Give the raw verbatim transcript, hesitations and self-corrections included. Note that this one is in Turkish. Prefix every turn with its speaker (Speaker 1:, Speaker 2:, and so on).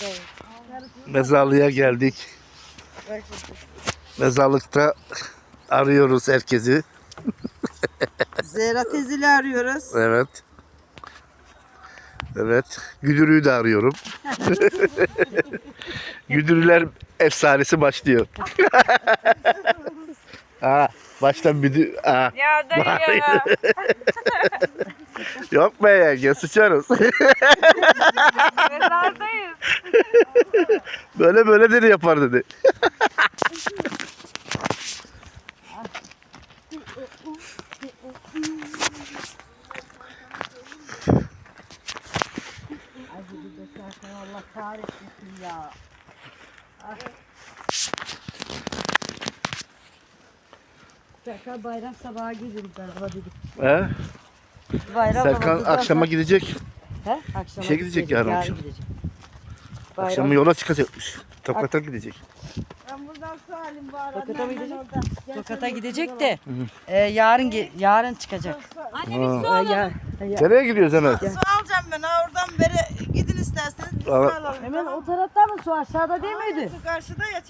Speaker 1: Mezarlığa geldik. Mezarlıkta arıyoruz herkesi.
Speaker 2: Zehra teyzeyi arıyoruz.
Speaker 1: Evet. Evet. Güdürü'yü de arıyorum. Güdürüler efsanesi başlıyor. Ha, baştan müdür... Ha.
Speaker 3: Ya dayı ya.
Speaker 1: Yok be yenge, sıçarız.
Speaker 3: Mezardayız.
Speaker 1: Böyle böyle dedi yapar dedi.
Speaker 2: Allah kahretsin ya. Serkan bayram sabahı gidiyoruz galiba dedik.
Speaker 1: He?
Speaker 2: Bayram
Speaker 1: Serkan
Speaker 2: namazından
Speaker 1: akşama
Speaker 2: sonra-
Speaker 1: gidecek.
Speaker 2: He? Akşama
Speaker 1: İşe gidecek yarın akşam.
Speaker 2: gidecek.
Speaker 1: Akşam
Speaker 2: Bayram-
Speaker 1: yola çıkacakmış. Tokat'a gidecek.
Speaker 2: Ben buradan sualim var.
Speaker 4: Tokat'a mı gidecek?
Speaker 2: Tokat'a gidecek de e, yarın ge- yarın çıkacak.
Speaker 3: Anne
Speaker 1: Ha.
Speaker 3: biz su alalım.
Speaker 2: Ya,
Speaker 1: Nereye gidiyoruz hemen?
Speaker 2: su alacağım ben ha oradan beri gidin isterseniz biz su
Speaker 1: Ama-
Speaker 2: alalım.
Speaker 4: Hemen o tarafta mı su aşağıda değil miydi?
Speaker 2: Su karşıda ya.